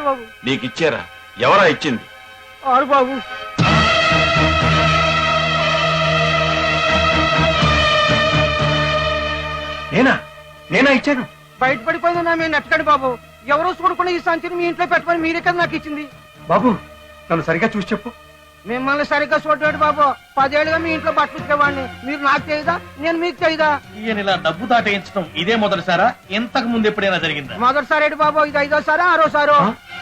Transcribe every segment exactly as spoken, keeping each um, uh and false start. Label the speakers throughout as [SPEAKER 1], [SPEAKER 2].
[SPEAKER 1] బాబు.
[SPEAKER 2] నీకు ఇచ్చారా? ఎవరా ఇచ్చింది?
[SPEAKER 1] ఆరు బాబు.
[SPEAKER 3] నేనా నేనా ఇచ్చాను?
[SPEAKER 1] బయట పడిపోయిందా మేము నెట్టకండి బాబు. ఎవరో చూడకుండా ఈ సంచిని మీ ఇంట్లో పెట్టుకొని మీరే కదా నాకు ఇచ్చింది.
[SPEAKER 3] బాబు నన్ను సరిగా చూసి చెప్పు.
[SPEAKER 1] మిమ్మల్ని సరిగ్గా చూడలేడు బాబు. పదేళ్ళుగా మీ ఇంట్లో బట్టలు ఇచ్చేవాడిని. మీరు నాకు చేయదా, నేను మీకు చేయదా?
[SPEAKER 4] ఈయన ఇలా డబ్బు దాటేయించడం ఇదే మొదటిసారా? ఇంతకు ముందు ఎప్పుడైనా జరిగిందా?
[SPEAKER 1] మొదటిసారి బాబు. ఇది ఐదోసారా ఆరోసారో?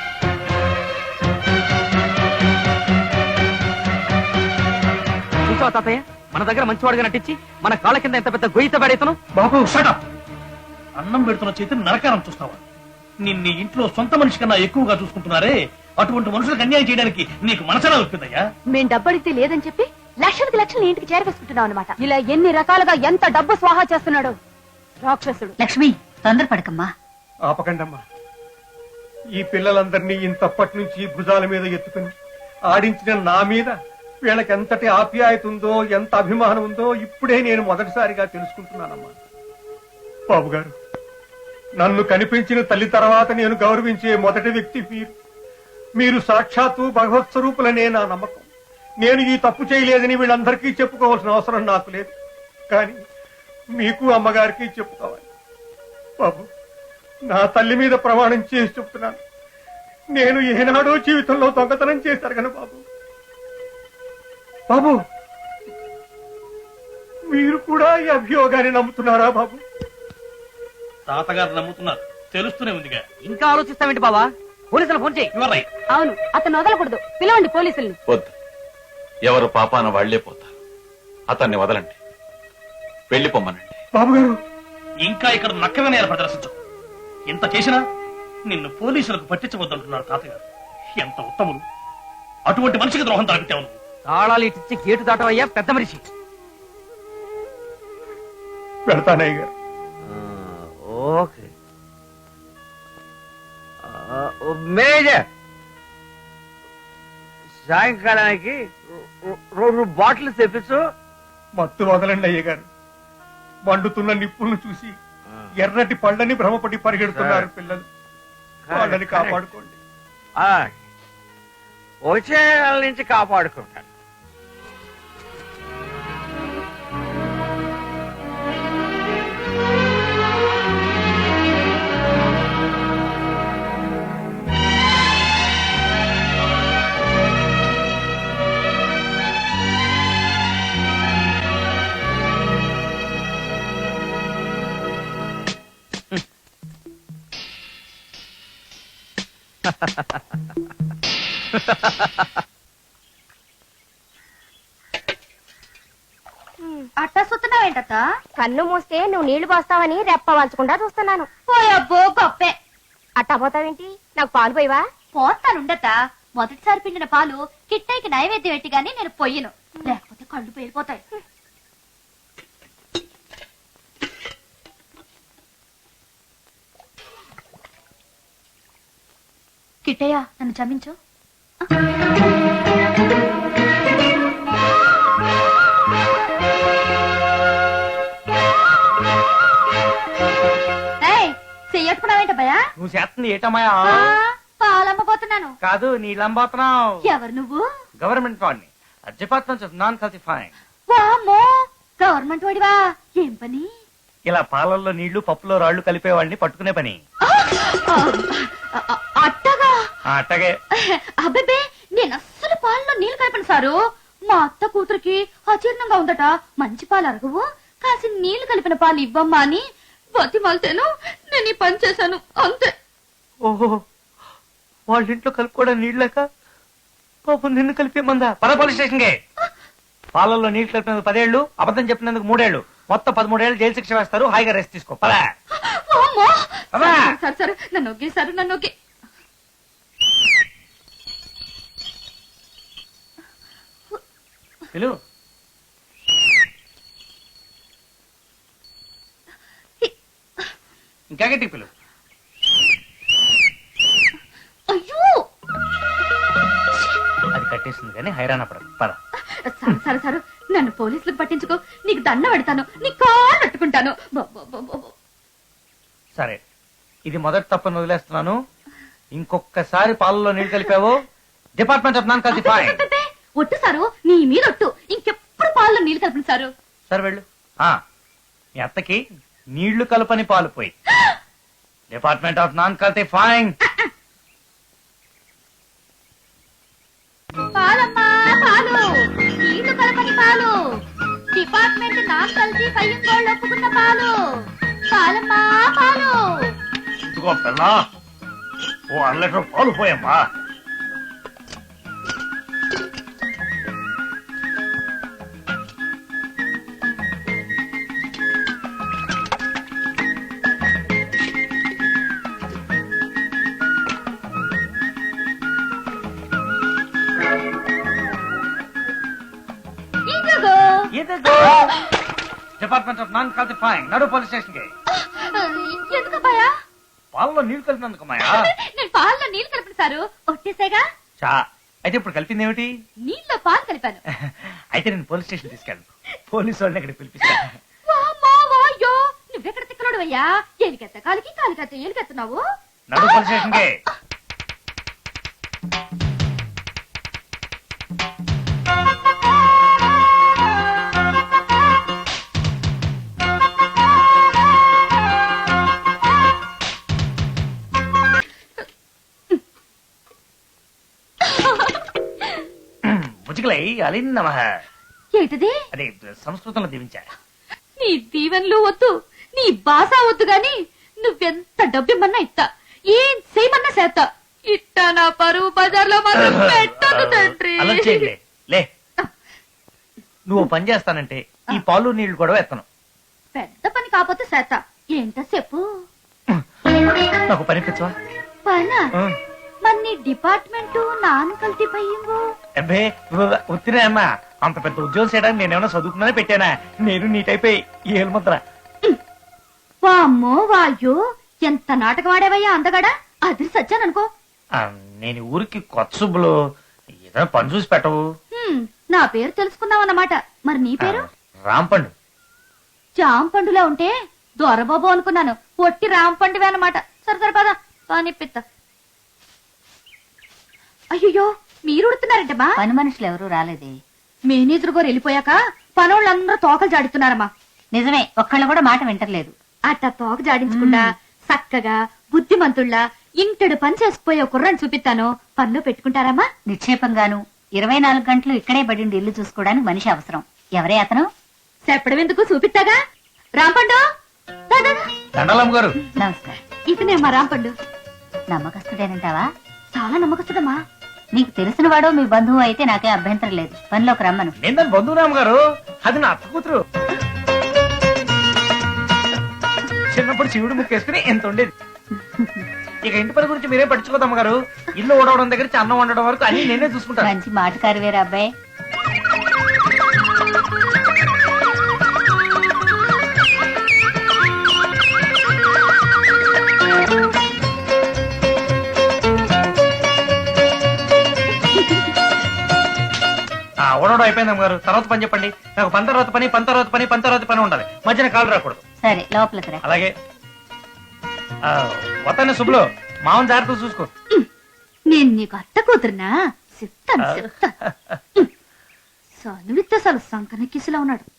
[SPEAKER 5] చూసావా తాతయ్య, మన దగ్గర మంచివాడుగా నటించి మన కాళ్ళ కింద ఎంత పెద్ద గొయ్యిత పడేతను.
[SPEAKER 3] బాబు
[SPEAKER 4] షటప్! అన్నం పెడుతున్న చేతిని నరకారం చూస్తావా? నిన్ను ఇంట్లో సొంత మనిషి కన్నా ఎక్కువగా చూసుకుంటున్నారే, అటువంటి మనుషులకు అన్యాయం చేయడానికి నీకు మనసలా వస్తుందయ్యా?
[SPEAKER 6] మేం డబ్బడితే లేదని చెప్పి లక్షలకి లక్షలు ఇంటికి చేరవేసుకుంటున్నాం అనమాట. ఇలా ఎన్ని రకాలుగా ఎంత డబ్బు స్వాహా చేస్తున్నాడు రాక్షసుడు.
[SPEAKER 7] లక్ష్మి తొందరపడకమ్మా.
[SPEAKER 3] ఆపకండమ్మా. ఈ పిల్లలందరినీ ఇంతప్పటి నుంచి భుజాల మీద ఎత్తుకుని ఆడించిన నా మీద వీళ్ళకి ఎంతటి ఆప్యాయత ఉందో, ఎంత అభిమానం ఉందో ఇప్పుడే నేను మొదటిసారిగా తెలుసుకుంటున్నానమ్మా. బాబు గారు, నన్ను కనిపించిన తల్లి తర్వాత నేను గౌరవించే మొదటి వ్యక్తి మీరు. మీరు సాక్షాత్తు భగవత్ స్వరూపులనే నా నమ్మకం. నేను ఈ తప్పు చేయలేదని వీళ్ళందరికీ చెప్పుకోవాల్సిన అవసరం నాకు లేదు, కానీ మీకు అమ్మగారికి చెప్పుకోవాలి. బాబు, నా తల్లి మీద ప్రమాణం చేసి చెప్తున్నాను, నేను ఏనాడో జీవితంలో దొంగతనం చేశారు కదా బాబు. బాబు, మీరు కూడా ఈ అభియోగాన్ని నమ్ముతున్నారా బాబు?
[SPEAKER 4] తాతగారు నమ్ముతున్నారు, తెలుస్తూనే ఉందిగా.
[SPEAKER 5] ఇంకా ఆలోచిస్తావేంటి బావా? పోలీసులు ఫోన్ చేయి.
[SPEAKER 6] అవును, అతను వదలకూడదు. పిలవండి పోలీసుల్ని.
[SPEAKER 2] వద్దు, ఎవరు పాపాన వాళ్లే పోతారు. అతన్ని వదలండి, వెళ్ళిపోమ్మనండి.
[SPEAKER 3] బాబు గారు,
[SPEAKER 4] ఇంకా ఇక్కడ నక్కగా ప్రదర్శించు. ఇంత చేసినా నిన్ను పోలీసులకు పట్టించవద్దంటున్నారు తాతగారు. ఎంత ఉత్తములు! అటువంటి మనిషికి ద్రోహం తలపెట్టావు.
[SPEAKER 5] తాళాలు ఇచ్చి గేటు దాటవయ్యా పెద్ద మనిషి.
[SPEAKER 3] పెడతానయ్య గారు.
[SPEAKER 5] ఓకే మేనేజర్, సాయంకాలానికి రెండు బాటిల్స్ తెప్పించు.
[SPEAKER 3] మత్తు వదలండి అయ్య గారు. మండుతున్న నిప్పులను చూసి ఎర్రటి పళ్ళని భ్రమపడి పరిగెడుతున్నారు పిల్లలు. వాళ్ళని కాపాడుకోండి.
[SPEAKER 5] వచ్చే నెల నుంచి కాపాడుకుంటాను.
[SPEAKER 6] అట్టా చూస్తున్నావేంట? కన్ను మూస్తే నువ్వు నీళ్లు పోస్తావని రెప్ప వాల్చకుండా చూస్తున్నాను. పోయబ్బో గొప్పే. అట్టా పోతావేంటి? నాకు పాలు పోయివా?
[SPEAKER 7] పోస్తానుండత. మొదటిసారి పిండిన పాలు కిట్టైకి నైవేద్యం పెట్టి గానీ నేను పొయ్యను, లేకపోతే కళ్ళు పేలిపోతాయి. కిట్టయ్య, నన్ను క్షమించు. చెయ్యట్టుకున్నావేంట భయా?
[SPEAKER 5] నువ్వు చేస్తుంది ఏటమాయా?
[SPEAKER 7] పాలమ్మబోతున్నాను.
[SPEAKER 5] కాదు, నీళ్ళంబోతున్నావు.
[SPEAKER 7] ఎవరు నువ్వు?
[SPEAKER 5] గవర్నమెంట్ వాడిని. డిపార్ట్మెంట్ ఆఫ్ నాన్ కల్సిఫైయింగ్.
[SPEAKER 7] వామ్మో, గవర్నమెంట్ వాడివా? ఏం పని?
[SPEAKER 5] ఇలా పాలల్లో నీళ్లు పప్పులో రాళ్లు కలిపేవాడిని పట్టుకునే పని.
[SPEAKER 7] అట్టగా?
[SPEAKER 5] అట్టగే.
[SPEAKER 7] అబ్బే, నేను అస్సలు పాలలో నీళ్లు కలిపను సారు. మా అత్త కూతురికి అజీర్ణంగా ఉందట. మంచి పాలు అరగవు, కాసి నీళ్లు కలిపిన పాలు ఇవ్వమ్మా అని బతిమాలితేను నేను ఈ పని చేశాను, అంతే.
[SPEAKER 5] ఓహో, వాళ్ళ ఇంట్లో కలుపుకోవడం నీళ్ళక పాపం నిన్ను కలిపేమందా? పద పోలీస్ స్టేషన్ కి. పాలల్లో నీళ్లు కలిపినందుకు పదేళ్లు, అబద్ధం చెప్పినందుకు మూడేళ్లు, మొత్తం పదమూడేళ్లు జైలు శిక్ష వేస్తారు. హాయిగా రెస్ట్ తీసుకో. పద.
[SPEAKER 7] సరే సరే, నన్ను ఒకే సరే నన్ను ఒకే.
[SPEAKER 5] పిలు. ఇంకా గట్టి పిలు.
[SPEAKER 7] అయ్యో,
[SPEAKER 5] అది కట్టేసింది కానీ హైరాణ పడదు. పద.
[SPEAKER 7] సరే సరే సరే, నన్ను పోలీసులకు పట్టించుకో. నీకు దండ పెడతాను, నీ కాళ్ళు పట్టుకుంటాను.
[SPEAKER 5] సరే, ఇది మొదటి తప్పని వదిలేస్తున్నాను. ఇంకొకసారి పాలలో నీళ్లు కలిపావు డిపార్ట్మెంట్ ఆఫ్ నాన్ కల్తీ ఫైన్.
[SPEAKER 7] అబ్బబ్బబ్బే, ఒట్టు సారు, నీ మీద ఒట్టు. ఇంకెప్పుడు పాలలో నీళ్లు కలపండి సారు.
[SPEAKER 5] సరే వెళ్ళు. ఆ, మీ అత్తకి నీళ్లు కలపని పాలు పోయి డిపార్ట్మెంట్ ఆఫ్ నాన్ కల్తీ ఫైన్.
[SPEAKER 7] పాలమ్మా పాలు, నీళ్లు కలపని పాలు, డిపార్ట్మెంట్ నాకు కలిసి పయ్యంగోళ్ళు ఒప్పుకున్న పాలు. పాలమ్మా పాలు.
[SPEAKER 4] ఇదిగో పిల్ల, ఓ అర లీటర్ పాలు పోయమ్మా.
[SPEAKER 7] ఇదిగో.
[SPEAKER 5] డిపార్ట్మెంట్ ఆఫ్ నాన్ కల్తీ ఫైన్. నడు పోలీస్ స్టేషన్ కి.
[SPEAKER 7] ఎందుకబ్బాయా?
[SPEAKER 5] పాలలో నీళ్లు కలిపినందుకు మాయా.
[SPEAKER 7] నేను పాలలో నీళ్లు కలిపిన సారు, ఒట్టేసాగా.
[SPEAKER 5] చా, అయితే ఇప్పుడు కలిపింది ఏమిటి?
[SPEAKER 7] నీళ్ళలో పాలు కలిపాను.
[SPEAKER 5] అయితే నేను పోలీస్ స్టేషన్ తీసుకెళ్ళను. పోలీసు వాళ్ళని ఇక్కడ పిలిపిస్తాను.
[SPEAKER 7] వామ్మో, వాయ్యో, నువ్వెక్కడ తిక్కలోడు అయ్యా? ఎలికెత్త కాలికి కాలికెత్త ఎలికెత్తున్నావు.
[SPEAKER 5] నడు పోలీస్ స్టేషన్ కి. ముజికలై అలిన్ నమః.
[SPEAKER 7] ఏంటిది?
[SPEAKER 5] అదే సంస్కృతంలో దీవించా.
[SPEAKER 7] నీ దీవెనలు వద్దు, నీ బాస వద్దు గాని నువ్వెంత డబ్బిమ్మన్నా ఇస్తా, ఏం చేయమన్నా చేస్తా. ఇట్టా నా పరువు బజార్లో మాత్రం పెట్టదు తండ్రి.
[SPEAKER 5] అలా చేయలే లే. నువ్వు పని చేస్తానంటే ఈ పాలు నీళ్లు కూడా ఎత్తను.
[SPEAKER 7] పెద్ద పని కాకపోతే చేస్తా. ఏంటో చెప్పు.
[SPEAKER 5] నాకు పని పిచ్చవా?
[SPEAKER 7] పనా? మరి నీ డిపార్ట్మెంట్ నాన్ కల్తీ పయ్యింగో.
[SPEAKER 5] అబ్బే ఉత్తినే అమ్మా, అంత పెద్ద ఉద్యోగం చేయడానికి నేనేమన్నా చదువుకున్నానే పెట్టానా? నేను నీ టైప్ ఏలు ముద్ర.
[SPEAKER 7] వామ్మో వాయ్యో, ఎంత నాటకం ఆడేవయ్యా అందగాడా. అది సచ్చాననుకో.
[SPEAKER 5] ఆ, నేను ఈ ఊరికి కొత్త సుబ్బులు, ఏదైనా పని చూసి పెట్టవు.
[SPEAKER 7] హ్మ్, నా పేరు తెలుసుకున్నావన్నమాట. మరి నీ పేరు?
[SPEAKER 5] రాంపండు.
[SPEAKER 7] జాంపండులా ఉంటే దొరబాబు అనుకున్నాను. ఒట్టి రాంపండువే అన్నమాట. సరే సరే పద పానిపిత్త. అయ్యో, మీరు ఉడుతున్నారంటమ్మా?
[SPEAKER 8] పని మనుషులు ఎవరూ రాలేదే.
[SPEAKER 7] మేనేజర్ గారు వెళ్ళిపోయాక పనోళ్ళందరూ తోకలు జాడిస్తున్నారమ్మా.
[SPEAKER 8] నిజమే, ఒక్కళ్ళు కూడా మాట వింటలేదు.
[SPEAKER 7] అట్టా తోక జాడించకుండా చక్కగా బుద్ధిమంతుళ్ళ ఇంటడు పని చేసుకుపోయే కుర్రని చూపిస్తాను. పనిలో పెట్టుకుంటారమ్మా?
[SPEAKER 8] నిక్షేపంగాను ఇరవై నాలుగు గంటలు ఇక్కడే పడిండి ఇల్లు చూసుకోవడానికి మనిషి అవసరం. ఎవరే అతను?
[SPEAKER 7] చెప్పడం ఎందుకు, చూపిస్తాగా. రాంపండు, దా, దా, దా.
[SPEAKER 5] దండలమ్మ గారు.
[SPEAKER 8] నమస్కారం.
[SPEAKER 7] ఇతనే మా రాంపండు.
[SPEAKER 8] నమ్మకస్తుడేనంటావా?
[SPEAKER 7] చాలా నమ్మకస్తుడమ్మా.
[SPEAKER 8] నీకు తెలిసిన వాడో మీ బంధువు అయితే నాకే అభ్యంతరం లేదు. పనిలోకి రమ్మను.
[SPEAKER 5] నేను దాని బంధువురామ్ గారు, అది నా అత్త కూతురు. చిన్నప్పుడు శివుడు ముక్కేసుకుని ఎంత ఉండేది. ఇక ఇంటి పని గురించి మీరేం పట్టించుకోదమ్మ గారు. ఇల్లు ఓడవడం దగ్గర నుంచి అన్నం వండడం వరకు అన్ని నేనే చూసుకుంటాను.
[SPEAKER 8] మంచి మాటకారు వేరే అబ్బాయి.
[SPEAKER 5] ఓడవడం అయిపోయిందమ్మ గారు. తర్వాత పని చెప్పండి. నాకు పని తర్వాత పని, పని తర్వాత పని, పని తర్వాత పని ఉండాలి. మధ్యన కాలు రాకూడదు.
[SPEAKER 8] సరే, లోపలికి రా.
[SPEAKER 5] అలాగే. వతానే శుభ్లో మామని జాగ్రత్త చూసుకో.
[SPEAKER 7] నేను నీకు అత్త కూతురునా? చెప్తాను చెప్తా. సనువిత్తే అసలు సంకన కిసిలా ఉన్నాడు.